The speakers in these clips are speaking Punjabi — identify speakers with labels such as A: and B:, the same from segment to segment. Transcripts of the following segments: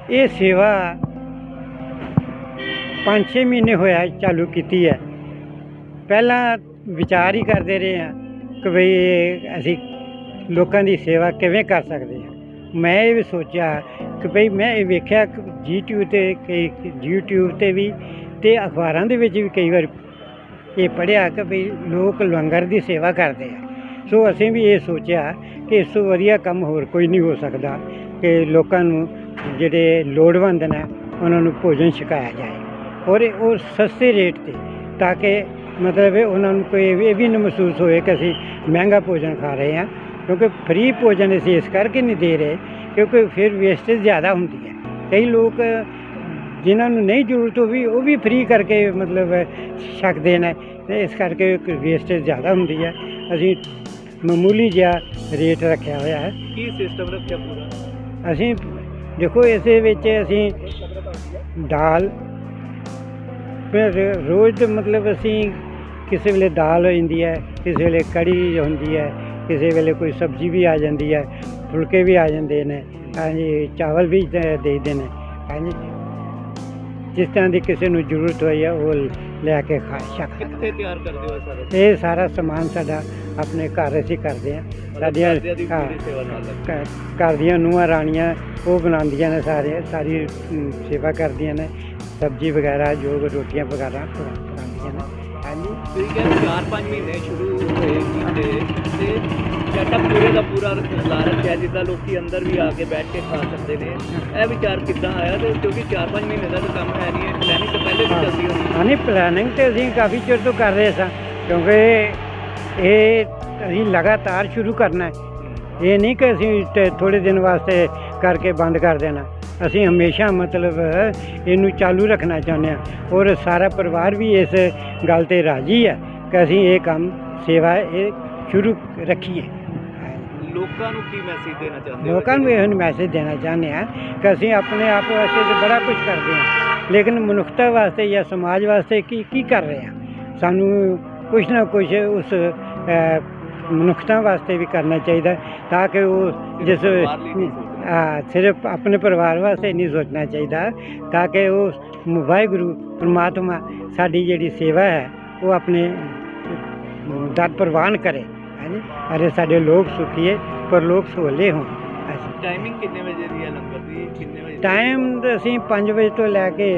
A: ਇਹ ਸੇਵਾ 5-6 ਮਹੀਨੇ ਹੋਇਆ ਚਾਲੂ ਕੀਤੀ ਹੈ। ਪਹਿਲਾਂ ਵਿਚਾਰ ਹੀ ਕਰਦੇ ਰਹੇ ਹਾਂ ਕਿ ਬਈ ਅਸੀਂ ਲੋਕਾਂ ਦੀ ਸੇਵਾ ਕਿਵੇਂ ਕਰ ਸਕਦੇ ਹਾਂ। ਮੈਂ ਇਹ ਵੀ ਸੋਚਿਆ ਕਿ ਬਈ ਮੈਂ ਇਹ ਵੇਖਿਆ ਕਿ YouTube 'ਤੇ ਵੀ ਅਤੇ ਅਖਬਾਰਾਂ ਦੇ ਵਿੱਚ ਵੀ ਕਈ ਵਾਰ ਇਹ ਪੜ੍ਹਿਆ ਕਿ ਬਈ ਲੋਕ ਲੰਗਰ ਦੀ ਸੇਵਾ ਕਰਦੇ ਆ। ਸੋ ਅਸੀਂ ਵੀ ਇਹ ਸੋਚਿਆ ਕਿ ਇਸ ਤੋਂ ਵਧੀਆ ਕੰਮ ਹੋਰ ਕੋਈ ਨਹੀਂ ਹੋ ਸਕਦਾ ਕਿ ਲੋਕਾਂ ਨੂੰ ਜਿਹੜੇ ਲੋੜਵੰਦ ਨੇ ਉਹਨਾਂ ਨੂੰ ਭੋਜਨ ਛਕਾਇਆ ਜਾਏ ਔਰ ਉਹ ਸਸਤੇ ਰੇਟ 'ਤੇ, ਤਾਂ ਕਿ ਮਤਲਬ ਉਹਨਾਂ ਨੂੰ ਕੋਈ ਇਹ ਵੀ ਨਾ ਮਹਿਸੂਸ ਹੋਏ ਕਿ ਅਸੀਂ ਮਹਿੰਗਾ ਭੋਜਨ ਖਾ ਰਹੇ ਹਾਂ। ਕਿਉਂਕਿ ਫ੍ਰੀ ਭੋਜਨ ਅਸੀਂ ਇਸ ਕਰਕੇ ਨਹੀਂ ਦੇ ਰਹੇ ਕਿਉਂਕਿ ਫਿਰ ਵੇਸਟੇਜ ਜ਼ਿਆਦਾ ਹੁੰਦੀ ਹੈ। ਕਈ ਲੋਕ ਜਿਨ੍ਹਾਂ ਨੂੰ ਨਹੀਂ ਜ਼ਰੂਰਤ ਉਹ ਵੀ ਫ੍ਰੀ ਕਰਕੇ ਮਤਲਬ ਛਕਦੇ ਨੇ ਅਤੇ ਇਸ ਕਰਕੇ ਵੇਸਟੇਜ ਜ਼ਿਆਦਾ ਹੁੰਦੀ ਹੈ। ਅਸੀਂ ਮਾਮੂਲੀ ਜਿਹਾ ਰੇਟ ਰੱਖਿਆ ਹੋਇਆ ਹੈ।
B: ਕੀ ਸਿਸਟਮ ਰੱਖਿਆ ਪੂਰਾ?
A: ਅਸੀਂ ਦੇਖੋ ਇਸੇ ਵਿੱਚ ਅਸੀਂ ਦਾਲ ਫਿਰ ਰੋਜ਼ ਮਤਲਬ ਅਸੀਂ ਕਿਸੇ ਵੇਲੇ ਦਾਲ ਹੋ ਜਾਂਦੀ ਹੈ, ਕਿਸੇ ਵੇਲੇ ਕੜੀ ਹੁੰਦੀ ਹੈ, ਕਿਸੇ ਵੇਲੇ ਕੋਈ ਸਬਜ਼ੀ ਵੀ ਆ ਜਾਂਦੀ ਹੈ, ਫੁਲਕੇ ਵੀ ਆ ਜਾਂਦੇ ਨੇ, ਹਾਂਜੀ ਚਾਵਲ ਵੀ ਦੇ ਦਿੰਦੇ ਨੇ, ਹਾਂਜੀ ਜਿਸ ਤਰ੍ਹਾਂ ਦੀ ਕਿਸੇ ਨੂੰ ਜ਼ਰੂਰਤ ਹੋਈ ਹੈ ਉਹ ਲੈ ਕੇ ਖਾ ਸਕਦਾ।
B: ਕਿੱਥੇ ਤਿਆਰ ਕਰਦੇ ਹੋ ਸਾਰਾ?
A: ਇਹ ਸਾਰਾ ਸਮਾਨ ਸਾਡਾ ਆਪਣੇ ਘਰ ਅਸੀਂ ਕਰਦੇ ਹਾਂ। ਸਾਡੀਆਂ ਘਰ ਦੀਆਂ ਨੂੰਹਾਂ ਰਾਣੀਆਂ ਉਹ ਬਣਾਉਂਦੀਆਂ ਨੇ, ਸਾਰੀ ਸੇਵਾ ਕਰਦੀਆਂ ਨੇ, ਸਬਜ਼ੀ ਵਗੈਰਾ ਜੋ ਰੋਟੀਆਂ ਵਗੈਰਾ ਬਣਾਉਂਦੀਆਂ ਨੇ। ਹਾਂਜੀ
B: ਤੁਸੀਂ ਕਹਿੰਦੇ 4-5 ਮਹੀਨੇ ਸ਼ੁਰੂ ਹੋਏ ਕੀਤੇ ਅਤੇ ਸੈਟਅਪ ਪੂਰੇ ਦਾ ਪੂਰਾ ਲਾ ਰੱਖਿਆ ਜਿੱਦਾਂ ਲੋਕ ਅੰਦਰ ਵੀ ਆ ਕੇ ਬੈਠ ਕੇ ਖਾ ਸਕਦੇ ਨੇ। ਇਹ ਵਿਚਾਰ ਕਿੱਦਾਂ ਆਇਆ? ਅਤੇ ਕਿਉਂਕਿ 4-5 ਮਹੀਨੇ ਦਾ ਤਾਂ ਕੰਮ ਹੈ ਨਹੀਂ, ਪਲੈਨਿੰਗ ਤਾਂ ਪਹਿਲੇ ਵੀ ਚੱਲਦੀ ਹੋਣੀ।
A: ਹਾਂ ਨਹੀਂ, ਪਲੈਨਿੰਗ ਤਾਂ ਅਸੀਂ ਕਾਫੀ ਚਿਰ ਤੋਂ ਕਰ ਰਹੇ ਸਾਂ ਕਿਉਂਕਿ ਇਹ ਅਸੀਂ ਲਗਾਤਾਰ ਸ਼ੁਰੂ ਕਰਨਾ ਹੈ। ਇਹ ਨਹੀਂ ਕਿ ਅਸੀਂ ਥੋੜ੍ਹੇ ਦਿਨ ਵਾਸਤੇ ਕਰਕੇ ਬੰਦ ਕਰ ਦੇਣਾ। ਅਸੀਂ ਹਮੇਸ਼ਾ ਮਤਲਬ ਇਹਨੂੰ ਚਾਲੂ ਰੱਖਣਾ ਚਾਹੁੰਦੇ ਹਾਂ ਔਰ ਸਾਰਾ ਪਰਿਵਾਰ ਵੀ ਇਸ ਗੱਲ 'ਤੇ ਰਾਜ਼ੀ ਹੈ ਕਿ ਅਸੀਂ ਇਹ ਕੰਮ ਸੇਵਾ ਇਹ ਸ਼ੁਰੂ ਰੱਖੀਏ।
B: ਲੋਕਾਂ ਨੂੰ ਕੀ ਮੈਸੇਜ ਦੇਣਾ ਚਾਹੁੰਦੇ ਹੋ?
A: ਲੋਕਾਂ ਨੂੰ ਇਹ ਮੈਸੇਜ ਦੇਣਾ ਚਾਹੁੰਦੇ ਹਾਂ ਕਿ ਅਸੀਂ ਆਪਣੇ ਆਪ ਵਾਸਤੇ ਤਾਂ ਬੜਾ ਕੁਝ ਕਰਦੇ ਹਾਂ ਲੇਕਿਨ ਮਨੁੱਖਤਾ ਵਾਸਤੇ ਜਾਂ ਸਮਾਜ ਵਾਸਤੇ ਕੀ ਕਰ ਰਹੇ ਹਾਂ। ਸਾਨੂੰ ਕੁਛ ਨਾ ਕੁਛ ਉਸ ਮਨੁੱਖਤਾ ਵਾਸਤੇ ਵੀ ਕਰਨਾ ਚਾਹੀਦਾ ਤਾਂ ਕਿ ਉਹ ਜਿਸ ਸਿਰਫ ਆਪਣੇ ਪਰਿਵਾਰ ਵਾਸਤੇ ਨਹੀਂ ਸੋਚਣਾ ਚਾਹੀਦਾ ਤਾਂ ਕਿ ਉਹ ਵਾਹਿਗੁਰੂ ਪਰਮਾਤਮਾ ਸਾਡੀ ਜਿਹੜੀ ਸੇਵਾ ਹੈ ਉਹ ਆਪਣੇ ਦਰ ਪ੍ਰਵਾਨ ਕਰੇ। ਹਾਂਜੀ ਅਰੇ ਸਾਡੇ ਲੋਕ ਸੁਖੀਏ ਪਰ ਲੋਕ ਸੋਲੇ ਹੋਣ।
B: ਟਾਈਮਿੰਗ ਕਿੰਨੇ ਵਜੇ ਦੀ ਹੈ ਲੰਗਰ ਦੀ? ਕਿੰਨੇ ਵਜੇ
A: ਟਾਈਮ ਅਸੀਂ 5 ਵਜੇ ਤੋਂ ਲੈ ਕੇ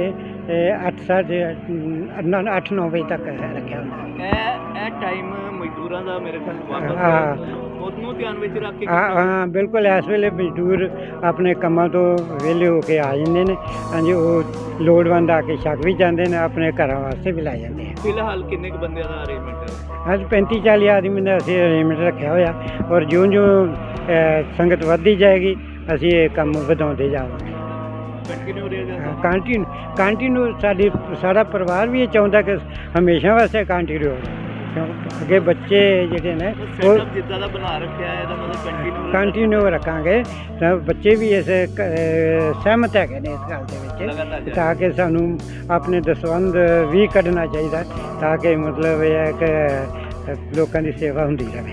A: 8-9 ਵਜੇ ਤੱਕ ਰੱਖਿਆ ਹੁੰਦਾ।
B: ਇਹ ਟਾਈਮ ਮਜ਼ਦੂਰਾਂ ਦਾ ਮੇਰੇ ਖਿਆਲ ਉਹਨੂੰ ਧਿਆਨ ਵਿੱਚ ਰੱਖ ਕੇ
A: ਹਾਂ ਬਿਲਕੁਲ। ਇਸ ਵੇਲੇ ਮਜ਼ਦੂਰ ਆਪਣੇ ਕੰਮਾਂ ਤੋਂ ਵਿਹਲੇ ਹੋ ਕੇ ਆ ਜਾਂਦੇ ਨੇ। ਹਾਂਜੀ ਉਹ ਲੋੜਵੰਦ ਆ ਕੇ ਛਕ ਵੀ ਜਾਂਦੇ ਨੇ, ਆਪਣੇ ਘਰਾਂ ਵਾਸਤੇ ਵੀ ਲੈ ਜਾਂਦੇ ਆ।
B: ਫਿਲਹਾਲ ਕਿੰਨੇ ਕੁ ਬੰਦਿਆਂ ਦਾ ਅਰੇਂਜਮੈਂਟ ਹੈ?
A: ਅੱਜ 35-40 ਆਦਮੀ ਦਾ ਅਸੀਂ ਅਰੇਂਜਮੈਂਟ ਰੱਖਿਆ ਹੋਇਆ ਔਰ ਜਿਉਂ ਸੰਗਤ ਵੱਧਦੀ ਜਾਏਗੀ ਅਸੀਂ ਇਹ ਕੰਮ ਵਧਾਉਂਦੇ ਜਾਵਾਂਗੇ। ਕੰਟੀਨਿਊ ਸਾਡਾ ਪਰਿਵਾਰ ਵੀ ਇਹ ਚਾਹੁੰਦਾ ਕਿ ਹਮੇਸ਼ਾ ਵਾਸਤੇ ਕੰਟੀਨਿਊ ਅੱਗੇ ਬੱਚੇ ਜਿਹੜੇ ਨੇ ਉਹ
B: ਜਿੱਦਾਂ ਦਾ ਬਣਾ ਰੱਖਿਆ ਹੈ ਇਹਦਾ ਮਤਲਬ
A: ਕੰਟੀਨਿਊ ਰੱਖਾਂਗੇ ਤਾਂ ਬੱਚੇ ਵੀ ਇਸ ਸਹਿਮਤ ਹੈਗੇ ਨੇ ਇਸ ਗੱਲ ਦੇ ਵਿੱਚ ਤਾਂ ਕਿ ਸਾਨੂੰ ਆਪਣੇ ਦਸਵੰਧ ਵੀ ਕੱਢਣਾ ਚਾਹੀਦਾ ਤਾਂ ਕਿ ਮਤਲਬ ਇਹ ਹੈ ਕਿ ਲੋਕਾਂ ਦੀ ਸੇਵਾ ਹੁੰਦੀ ਰਹੇ।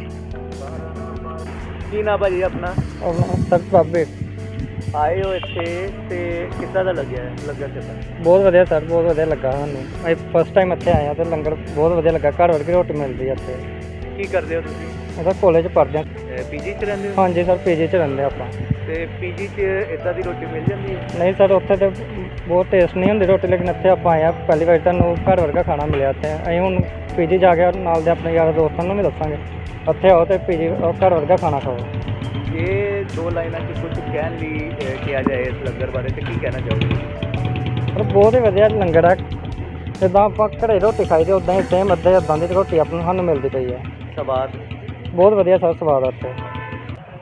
B: ਕੀ ਨਾਮ ਭਾਜੀ ਆਪਣਾ?
A: ਸਰ ਬਾਬੇ
B: ਆਏ ਹੋ ਇੱਥੇ ਅਤੇ ਕਿੱਦਾਂ ਦਾ ਲੱਗਿਆ ਲੰਗਰ ਕਿੱਦਾਂ?
A: ਬਹੁਤ ਵਧੀਆ ਸਰ, ਬਹੁਤ ਵਧੀਆ ਲੱਗਾ ਸਾਨੂੰ। ਅਸੀਂ ਫਸਟ ਟਾਈਮ ਇੱਥੇ ਆਏ ਹਾਂ ਅਤੇ ਲੰਗਰ ਬਹੁਤ ਵਧੀਆ ਲੱਗਾ। ਘਰ ਵਰਗੀ ਰੋਟੀ ਮਿਲਦੀ ਹੈ ਇੱਥੇ।
B: ਕੀ ਕਰਦੇ ਹੋ ਤੁਸੀਂ?
A: ਉਹਦਾ ਕਾਲਜ ਪੜ੍ਹਦੇ ਹਾਂ।
B: ਪੀਜੀ 'ਚ ਰਹਿੰਦੇ ਹੋ?
A: ਹਾਂਜੀ ਸਰ ਪੀਜੀ 'ਚ ਰਹਿੰਦੇ ਆਪਾਂ।
B: ਅਤੇ ਪੀਜੀ 'ਚ ਇੱਦਾਂ ਦੀ ਰੋਟੀ ਮਿਲ ਜਾਂਦੀ ਹੈ?
A: ਨਹੀਂ ਸਰ ਉੱਥੇ ਤਾਂ ਬਹੁਤ ਟੇਸਟ ਨਹੀਂ ਹੁੰਦੀ ਰੋਟੀ ਲੇਕਿਨ ਇੱਥੇ ਆਪਾਂ ਆਏ ਹਾਂ ਪਹਿਲੀ ਵਾਰ ਤੁਹਾਨੂੰ ਘਰ ਵਰਗਾ ਖਾਣਾ ਮਿਲਿਆ ਇੱਥੇ। ਅਸੀਂ ਹੁਣ ਪੀਜੀ ਜਾ ਕੇ ਨਾਲ ਦੇ ਆਪਣੇ ਯਾਰਾਂ ਦੋਸਤਾਂ ਨੂੰ ਵੀ ਦੱਸਾਂਗੇ ਉੱਥੇ ਆਓ ਅਤੇ ਪੀਜੀ ਘਰ ਵਰਗਾ ਖਾਣਾ ਖਾਓ।
B: ਇਹ 2 ਲਾਈਨਾਂ 'ਚ ਕੁਝ ਕਹਿਣ ਲਈ ਕਿਹਾ ਜਾਏ ਇਸ ਲੰਗਰ ਬਾਰੇ ਤਾਂ ਕੀ ਕਹਿਣਾ ਚਾਹੋਗੇ?
A: ਪਰ ਬਹੁਤ ਹੀ ਵਧੀਆ ਲੰਗਰ ਹੈ। ਜਿੱਦਾਂ ਆਪਾਂ ਘਰੇ ਰੋਟੀ ਖਾਈ ਦੀ ਉੱਦਾਂ ਹੀ ਸੇਮ ਇੱਦਾਂ ਦੀ ਰੋਟੀ ਆਪਾਂ ਨੂੰ ਸਾਨੂੰ ਮਿਲਦੀ ਪਈ ਹੈ।
B: ਸਵਾਦ
A: ਬਹੁਤ ਵਧੀਆ ਸਰ, ਸਵਾਦ ਆ ਇੱਥੇ।